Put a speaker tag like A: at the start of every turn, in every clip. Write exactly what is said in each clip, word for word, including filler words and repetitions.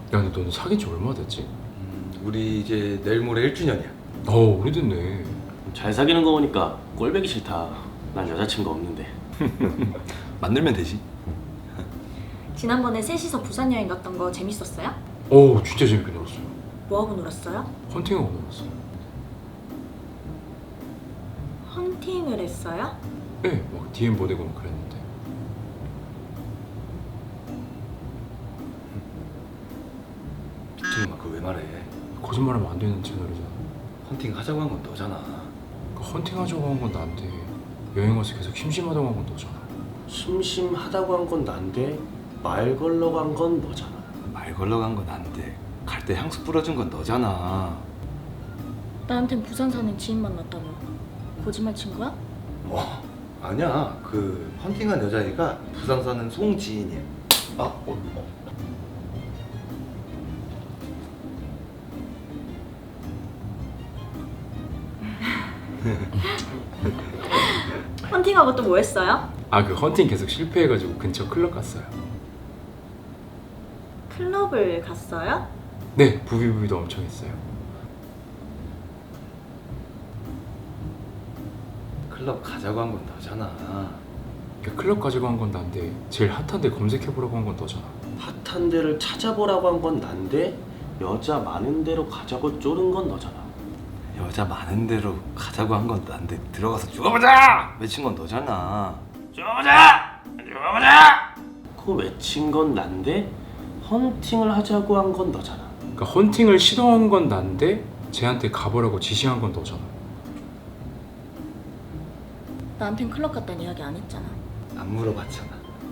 A: 야, 근데 너는 사귄 지 얼마 됐지?
B: 음, 우리 이제 내일 모레 일 주년이야.
A: 어, 오래됐네.
C: 잘 사귀는 거 보니까 꼴배기 싫다. 난 여자친구 없는데.
B: 만들면 되지.
D: 지난번에 셋이서 부산 여행 갔던 거 재밌었어요?
A: 어, 진짜 재밌게 놀았어요.
D: 뭐하고 놀았어요?
A: 헌팅하고 놀았어요.
D: 헌팅을 했어요?
A: 네, 막 디엠 보내고 막 그랬는데.
B: 지금 그거 왜 말해?
A: 거짓말하면 안 되는 채널이잖아.
B: 헌팅 하자고 한 건 너잖아.
A: 그 헌팅하자고 한 건 나한테 여행 와서 계속 심심하다고 한 건 너잖아.
C: 심심하다고 한 건 난데 말 걸러고 한 건 너잖아.
B: 말 걸러 간 건 난데 갈 때 향수 뿌려준 건 너잖아.
D: 나한텐 부산 사는 지인 만났다며. 거짓말 친 거야?
B: 어, 아니야. 그 헌팅한 여자애가 부산 사는 송지인이야. 아, 어, 어.
D: 헌팅하고 또 뭐 했어요?
A: 아, 그 헌팅 계속 실패해가지고 근처 클럽 갔어요.
D: 클럽을 갔어요?
A: 네, 부비부비도 엄청 했어요.
B: 클럽 가자고 한 건 너잖아.
A: 그 클럽 가지고 한 건 난데 제일 핫한 데 검색해보라고 한 건 너잖아.
C: 핫한 데를 찾아보라고 한 건 난데 여자 많은 데로 가자고 쪼른 건 너잖아.
B: 여자 많은 데로 가자고 한 건 난데 들어가서 죽어보자! 외친 건 너잖아.
C: 쪼보자! 쪼보자! 그거 외친 건 난데 헌팅을 하자고 한 건 너잖아.
A: 그러니까 헌팅을 시도한 건 난데 쟤한테 가보라고 지시한 건 너잖아.
D: 나한텐 클럽 갔다는 이야기 안 했잖아.
B: 안 물어봤잖아.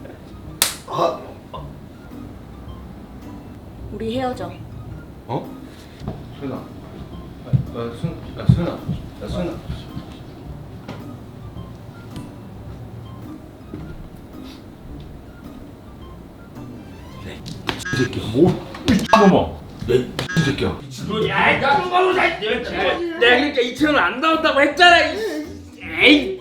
D: 우리 헤어져.
B: 어? 수연아. 야, 순, 야, 수연아. 야, 수연아. 이 새끼야, 뭐?
A: 잠깐만.
B: 야, 이 새끼야.
C: 야, 야, 내가 그러니까 이천원 안 나온다고 했잖아. 에이.